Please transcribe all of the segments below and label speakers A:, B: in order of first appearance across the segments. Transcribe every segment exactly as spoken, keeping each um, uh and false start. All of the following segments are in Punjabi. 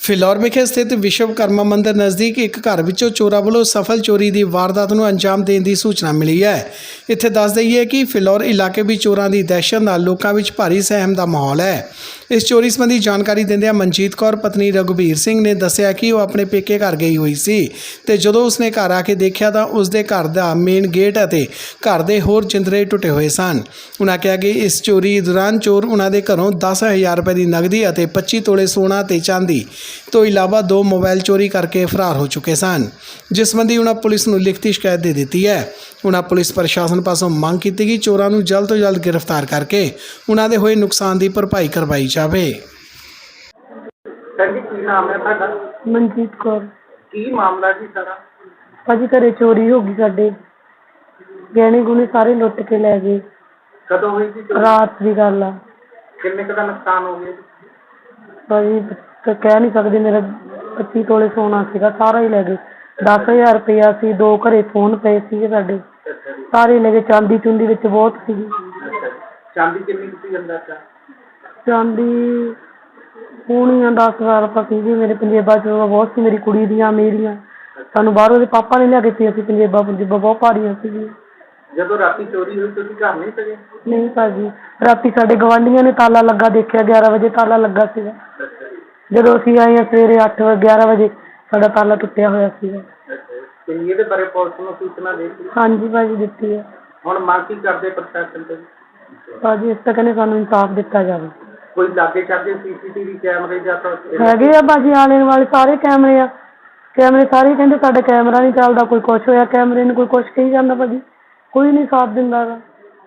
A: ਫਿਲੌਰ ਵਿਖੇ ਸਥਿਤ ਵਿਸ਼ਵਕਰਮਾ ਮੰਦਿਰ ਨਜ਼ਦੀਕ ਇੱਕ ਘਰ ਵਿੱਚੋਂ ਚੋਰਾਂ ਵੱਲੋਂ ਸਫਲ ਚੋਰੀ ਦੀ ਵਾਰਦਾਤ ਨੂੰ ਅੰਜਾਮ ਦੇਣ ਦੀ ਸੂਚਨਾ ਮਿਲੀ ਹੈ। ਇੱਥੇ ਦੱਸ ਦਈਏ ਕਿ ਫਿਲੌਰ ਇਲਾਕੇ ਵਿੱਚ ਚੋਰਾਂ ਦੀ ਦਹਿਸ਼ਤ ਨਾਲ ਲੋਕਾਂ ਵਿੱਚ ਭਾਰੀ ਸਹਿਮ ਦਾ ਮਾਹੌਲ ਹੈ। ਇਸ ਚੋਰੀ ਸੰਬੰਧੀ ਜਾਣਕਾਰੀ ਦਿੰਦਿਆਂ ਮਨਜੀਤ ਕੌਰ ਪਤਨੀ ਰਘੁਬੀਰ ਸਿੰਘ ਨੇ ਦੱਸਿਆ ਕਿ ਉਹ ਆਪਣੇ ਪੇਕੇ ਘਰ ਗਈ ਹੋਈ ਸੀ ਤੇ ਜਦੋਂ ਉਸਨੇ ਘਰ ਆ ਕੇ ਦੇਖਿਆ ਤਾਂ ਉਸਦੇ ਘਰ ਦਾ ਮੇਨ ਗੇਟ ਅਤੇ ਘਰ ਦੇ ਹੋਰ ਜਿੰਦਰੇ ਟੁੱਟੇ ਹੋਏ ਸਨ। ਉਨ੍ਹਾਂ ਕਿਹਾ ਕਿ ਇਸ ਚੋਰੀ ਦੌਰਾਨ ਚੋਰ ਉਨ੍ਹਾਂ ਦੇ ਘਰੋਂ ਦਸ ਹਜ਼ਾਰ ਰੁਪਏ ਦੀ ਨਗਦੀ ਅਤੇ ਪੱਚੀ ਤੋਲੇ ਸੋਨਾ ਤੇ ਚਾਂਦੀ ਤੋਂ ਇਲਾਵਾ ਦੋ ਮੋਬਾਈਲ ਚੋਰੀ ਕਰਕੇ ਫਰਾਰ ਹੋ ਚੁੱਕੇ ਸਨ, ਜਿਸ ਸੰਬੰਧੀ ਉਨ੍ਹਾਂ ਪੁਲਿਸ ਨੂੰ ਲਿਖਤੀ ਸ਼ਿਕਾਇਤ ਦੇ ਦਿੱਤੀ ਹੈ। ਉਨ੍ਹਾਂ ਪੁਲਿਸ ਪ੍ਰਸ਼ਾਸਨ ਪਾਸੋਂ ਮੰਗ ਕੀਤੀ ਕਿ ਚੋਰਾਂ ਨੂੰ ਜਲਦ ਤੋਂ ਜਲਦ ਗ੍ਰਿਫਤਾਰ ਕਰਕੇ ਉਨ੍ਹਾਂ ਦੇ ਹੋਏ ਨੁਕਸਾਨ ਦੀ ਭਰਪਾਈ ਕਰਵਾਈ ਜਾਵੇ।
B: ਸਰ ਜੀ, ਕੀ ਨਾਮ ਹੈ ਤੁਹਾਡਾ?
C: ਮਨਜੀਤ ਕੌਰ।
B: ਕੀ ਮਾਮਲਾ ਜੀ ਸਾਰਾ?
C: ਭਾਜੀ ਘਰੇ ਚੋਰੀ ਹੋ ਗਈ, ਸਾਡੇ ਗਹਿਣੇ ਗੁਣੇ ਸਾਰੇ ਲੁੱਟ ਕੇ ਲੈ ਗਏ।
B: ਕਦੋਂ ਹੋਈ ਸੀ ਚੋਰੀ?
C: ਰਾਤ ਦੀ ਗੱਲ ਆ।
B: ਕਿੰਨੇ ਕੁ ਦਾ ਨੁਕਸਾਨ ਹੋ ਗਿਆ ਜੀ?
C: ਭਾਜੀ ਕ- ਕਹਿ ਨਹੀਂ ਸਕਦੇ, ਮੇਰਾ ਪੱਚੀ ਤੋਲੇ ਸੋਨਾ ਸੀਗਾ, ਸਾਰਾ ਹੀ ਲੈ ਗਏ। ਦਸ ਹਜ਼ਾਰ ਰੁਪਇਆ ਸੀ, ਦੋ ਘਰੇ ਫੋਨ ਪਏ ਸੀਗੇ ਸਾਡੇ,
B: ਅੱਛਾ ਜੀ।
C: ਸਾਰੇ ਲੈ ਗਏ। ਚਾਂਦੀ ਚੁੰਦੀ ਵਿੱਚ ਬਹੁਤ ਸੀਗੀ।
B: ਅੱਛਾ ਜੀ। ਚਾਂਦੀ ਕਿੰਨੀ ਕੁ ਸੀ ਅੰਦਰ ਦਾ?
C: ਚਾਂਦੀ ਪੂਣੀਆਂ ਦਸ ਹਜ਼ਾਰ ਰੁਪਇਆ ਸੀਗੀ। ਮੇਰੇ ਪੰਜੇਬਾਂ ਚੋਂ ਬਹੁਤ ਸੀ, ਮੇਰੀ ਕੁੜੀ ਦੀਆਂ, ਮੇਰੀਆਂ। ਸਾਨੂੰ ਬਾਹਰੋਂ ਦੇ ਪਾਪਾ ਨੇ ਲਿਆ ਕੇ ਦਿੱਤੀਆਂ ਸੀ ਪੰਜੇਬਾਂ। ਪੰਜੇਬਾਂ ਬਹੁਤ ਭਾਰੀਆਂ ਸੀਗੀਆਂ।
B: ਜਦੋਂ ਰਾਤੀ ਚੋਰੀ ਹੋਈ ਤੁਸੀਂ ਘਰ ਨਹੀਂ ਸੀਗੇ?
C: ਨਹੀਂ ਭਾਜੀ, ਰਾਤੀ ਸਾਡੇ ਗਵਾਂਢੀਆਂ ਨੇ ਤਾਲਾ ਲੱਗਾ ਦੇਖਿਆ, ਗਿਆਰਾਂ ਵਜੇ ਤਾਲਾ ਲੱਗਾ ਸੀਗਾ।
B: ਅੱਛਾ ਜੀ।
C: ਜਦੋਂ ਅਸੀਂ ਆਏ ਹਾਂ ਸਵੇਰੇ ਅੱਠ ਵਜੇ ਗਿਆਰਾਂ ਵਜੇ ਸਾਡਾ ਤਾਲਾ ਟੁੱਟਿਆ ਹੋਇਆ ਸੀਗਾ।
B: ਅੱਛਾ ਜੀ। ਤੇ ਇਹਦੇ ਬਾਰੇ ਪੁਲਿਸ ਨੂੰ ਸੂਚਨਾ ਦੇ ਦਿੱਤੀ?
C: ਹਾਂਜੀ ਭਾਜੀ, ਦਿੱਤੀ ਹੈ।
B: ਹੁਣ ਮੰਗ ਕੀ ਕਰਦੇ ਪ੍ਰਸ਼ਾਸਨ ਤੋਂ?
C: ਭਾਜੀ ਇਸ ਤਾਂ ਕਹਿੰਦੇ ਸਾਨੂੰ ਇਨਸਾਫ ਦਿੱਤਾ ਜਾਵੇ।
B: ਕੋਈ ਲਾਗੇ ਚਾਗੇ ਸੀਸੀਟੀਵੀ ਕੈਮਰੇ ਜਾਂ ਤਾਂ
C: ਹੈਗੇ ਆ ਭਾਜੀ, ਆਲੇ ਵਾਲੇ ਸਾਰੇ ਕੈਮਰੇ ਆ। ਕੈਮਰੇ ਸਾਰੇ ਕਹਿੰਦੇ ਸਾਡਾ ਕੈਮਰਾ ਨਹੀਂ ਚੱਲਦਾ, ਕੋਈ ਕੁਛ ਹੋਇਆ ਕੈਮਰੇ ਨੂੰ, ਕੋਈ ਕੁਛ ਕਹੀ ਜਾਂਦਾ। ਭਾਜੀ ਕੋਈ ਨਹੀਂ ਸਾਥ ਦਿੰਦਾ ਗਾ।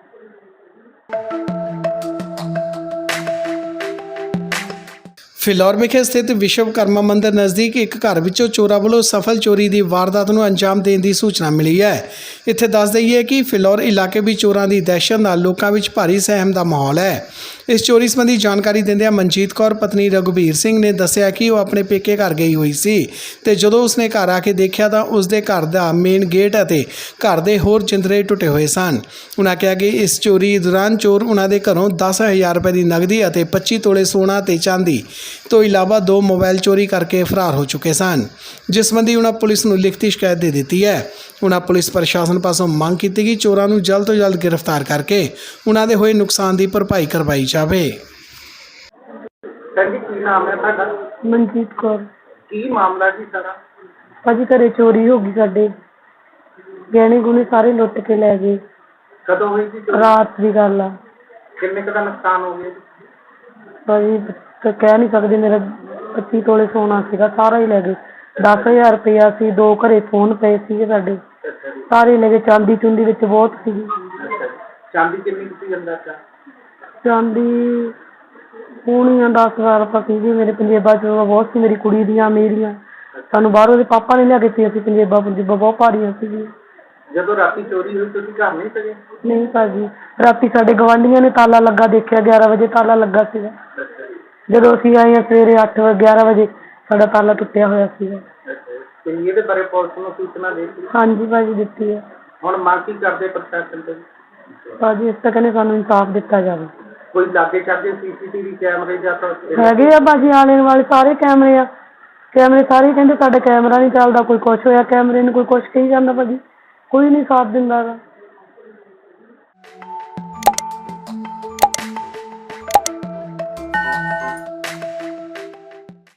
A: ਫਿਲੌਰ ਵਿਖੇ ਸਥਿਤ ਵਿਸ਼ਵਕਰਮਾ ਮੰਦਿਰ ਨਜ਼ਦੀਕ ਇੱਕ ਘਰ ਵਿੱਚੋਂ ਚੋਰਾਂ ਵੱਲੋਂ ਸਫਲ ਚੋਰੀ ਦੀ ਵਾਰਦਾਤ ਨੂੰ ਅੰਜਾਮ ਦੇਣ ਦੀ ਸੂਚਨਾ ਮਿਲੀ ਹੈ। ਇੱਥੇ ਦੱਸ ਦਈਏ ਕਿ ਫਿਲੌਰ ਇਲਾਕੇ ਵਿੱਚ ਚੋਰਾਂ ਦੀ ਦਹਿਸ਼ਤ ਨਾਲ ਲੋਕਾਂ ਵਿੱਚ ਭਾਰੀ ਸਹਿਮ ਦਾ ਮਾਹੌਲ ਹੈ। ਇਸ ਚੋਰੀ ਸੰਬੰਧੀ ਜਾਣਕਾਰੀ ਦਿੰਦਿਆਂ ਮਨਜੀਤ ਕੌਰ ਪਤਨੀ ਰਘੁਬੀਰ ਸਿੰਘ ਨੇ ਦੱਸਿਆ ਕਿ ਉਹ ਆਪਣੇ ਪੇਕੇ ਘਰ ਗਈ ਹੋਈ ਸੀ ਤੇ ਜਦੋਂ ਉਸਨੇ ਘਰ ਆ ਕੇ ਦੇਖਿਆ ਤਾਂ ਉਸਦੇ ਘਰ ਦਾ ਮੇਨ ਗੇਟ ਅਤੇ ਘਰ ਦੇ ਹੋਰ ਜਿੰਦਰੇ ਟੁੱਟੇ ਹੋਏ ਸਨ। ਉਨ੍ਹਾਂ ਕਿਹਾ ਕਿ ਇਸ ਚੋਰੀ ਦੌਰਾਨ ਚੋਰ ਉਨ੍ਹਾਂ ਦੇ ਘਰੋਂ ਦਸ ਹਜ਼ਾਰ ਰੁਪਏ ਦੀ ਨਗਦੀ ਅਤੇ ਪੱਚੀ ਤੋਲੇ ਸੋਨਾ ਤੇ ਚਾਂਦੀ ਤੋਂ ਇਲਾਵਾ ਦੋ ਮੋਬਾਈਲ ਚੋਰੀ ਕਰਕੇ ਫਰਾਰ ਹੋ ਚੁੱਕੇ ਸਨ, ਜਿਸ ਸੰਬੰਧੀ ਉਨ੍ਹਾਂ ਪੁਲਿਸ ਨੂੰ ਲਿਖਤੀ ਸ਼ਿਕਾਇਤ ਦੇ ਦਿੱਤੀ ਹੈ। ਉਨ੍ਹਾਂ ਪੁਲਿਸ ਪ੍ਰਸ਼ਾਸਨ ਪਾਸੋਂ ਮੰਗ ਕੀਤੀ ਕਿ ਚੋਰਾਂ ਨੂੰ ਜਲਦ ਤੋਂ ਜਲਦ ਗ੍ਰਿਫਤਾਰ ਕਰਕੇ ਉਨ੍ਹਾਂ ਦੇ ਹੋਏ ਨੁਕਸਾਨ ਦੀ ਭਰਪਾਈ ਕਰਵਾਈ ਜਾਵੇ।
B: ਸਰ ਜੀ, ਕੀ ਨਾਮ ਹੈ ਤੁਹਾਡਾ?
C: ਮਨਜੀਤ ਕੌਰ।
B: ਕੀ ਮਾਮਲਾ ਜੀ ਸਾਰਾ?
C: ਭਾਜੀ ਘਰੇ ਚੋਰੀ ਹੋ ਗਈ, ਸਾਡੇ ਗਹਿਣੇ ਗੁਣੇ ਸਾਰੇ ਲੁੱਟ ਕੇ ਲੈ ਗਏ।
B: ਕਦੋਂ ਹੋਈ ਸੀ ਚੋਰੀ?
C: ਰਾਤ ਦੀ ਗੱਲ ਆ।
B: ਕਿੰਨੇ ਕੁ ਦਾ ਨੁਕਸਾਨ ਹੋ ਗਿਆ ਜੀ?
C: ਭਾਜੀ ਕ- ਕਹਿ ਨਹੀਂ ਸਕਦੇ, ਮੇਰਾ ਪੱਚੀ ਤੋਲੇ ਸੋਨਾ ਸੀਗਾ, ਸਾਰਾ ਹੀ ਲੈ ਗਏ। ਦਸ ਹਜ਼ਾਰ ਰੁਪਇਆ ਸੀ, ਦੋ ਘਰੇ ਫੋਨ ਪਏ ਸੀਗੇ ਸਾਡੇ,
B: ਅੱਛਾ ਜੀ।
C: ਸਾਰੇ ਲੈ ਗਏ। ਚਾਂਦੀ ਚੁੰਦੀ ਵਿੱਚ ਬਹੁਤ ਸੀਗੀ।
B: ਅੱਛਾ ਜੀ। ਚਾਂਦੀ ਕਿੰਨੀ ਕੁ ਸੀ ਅੰਦਰ ਦਾ?
C: ਚਾਂਦੀ ਪੂਣੀਆਂ ਦਸ ਹਜ਼ਾਰ ਰੁਪਇਆ ਸੀਗੀ। ਮੇਰੇ ਪੰਜੇਬਾਂ ਚੋਂ ਬਹੁਤ ਸੀ, ਮੇਰੀ ਕੁੜੀ ਦੀਆਂ, ਮੇਰੀਆਂ। ਸਾਨੂੰ ਬਾਹਰੋਂ ਦੇ ਪਾਪਾ ਨੇ ਲਿਆ ਕੇ ਦਿੱਤੀਆਂ ਸੀ ਪੰਜੇਬਾਂ। ਪੰਜੇਬਾਂ ਬਹੁਤ ਭਾਰੀਆਂ ਸੀਗੀਆਂ।
B: ਜਦੋਂ ਰਾਤੀ ਚੋਰੀ ਹੋਈ ਤੁਸੀਂ ਘਰ ਨਹੀਂ ਸੀਗੇ?
C: ਨਹੀਂ ਭਾਜੀ, ਰਾਤੀ ਸਾਡੇ ਗਵਾਂਢੀਆਂ ਨੇ ਤਾਲਾ ਲੱਗਾ ਦੇਖਿਆ, ਗਿਆਰਾਂ ਵਜੇ ਤਾਲਾ ਲੱਗਾ ਸੀਗਾ।
B: ਅੱਛਾ ਜੀ।
C: ਜਦੋਂ ਅਸੀਂ ਆਏ ਹਾਂ ਸਵੇਰੇ ਅੱਠ ਵਜੇ ਗਿਆਰਾਂ ਵਜੇ ਸਾਡਾ ਤਾਲਾ ਟੁੱਟਿਆ ਹੋਇਆ ਸੀਗਾ।
B: ਅੱਛਾ ਜੀ। ਤੇ ਇਹਦੇ ਬਾਰੇ ਪੁਲਿਸ ਨੂੰ ਸੂਚਨਾ ਦੇ ਦਿੱਤੀ?
C: ਹਾਂਜੀ ਭਾਜੀ, ਦਿੱਤੀ ਹੈ।
B: ਹੁਣ ਮੰਗ ਕੀ ਕਰਦੇ ਪ੍ਰਸ਼ਾਸਨ ਤੋਂ?
C: ਭਾਜੀ ਇਸ ਤਾਂ ਕਹਿੰਦੇ ਸਾਨੂੰ ਇਨਸਾਫ ਦਿੱਤਾ ਜਾਵੇ।
B: ਕੋਈ ਲਾਗੇ ਚਾਗੇ ਸੀਸੀਟੀਵੀ ਕੈਮਰੇ ਜਾਂ ਤਾਂ
C: ਹੈਗੇ ਆ ਭਾਜੀ, ਆਲੇ ਵਾਲੇ ਸਾਰੇ ਕੈਮਰੇ ਆ। ਕੈਮਰੇ ਸਾਰੇ ਕਹਿੰਦੇ ਸਾਡਾ ਕੈਮਰਾ ਨਹੀਂ ਚੱਲਦਾ, ਕੋਈ ਕੁਛ ਹੋਇਆ ਕੈਮਰੇ ਨੂੰ, ਕੋਈ ਕੁਛ ਕਹੀ ਜਾਂਦਾ। ਭਾਜੀ ਕੋਈ ਨਹੀਂ ਸਾਥ ਦਿੰਦਾ ਗਾ।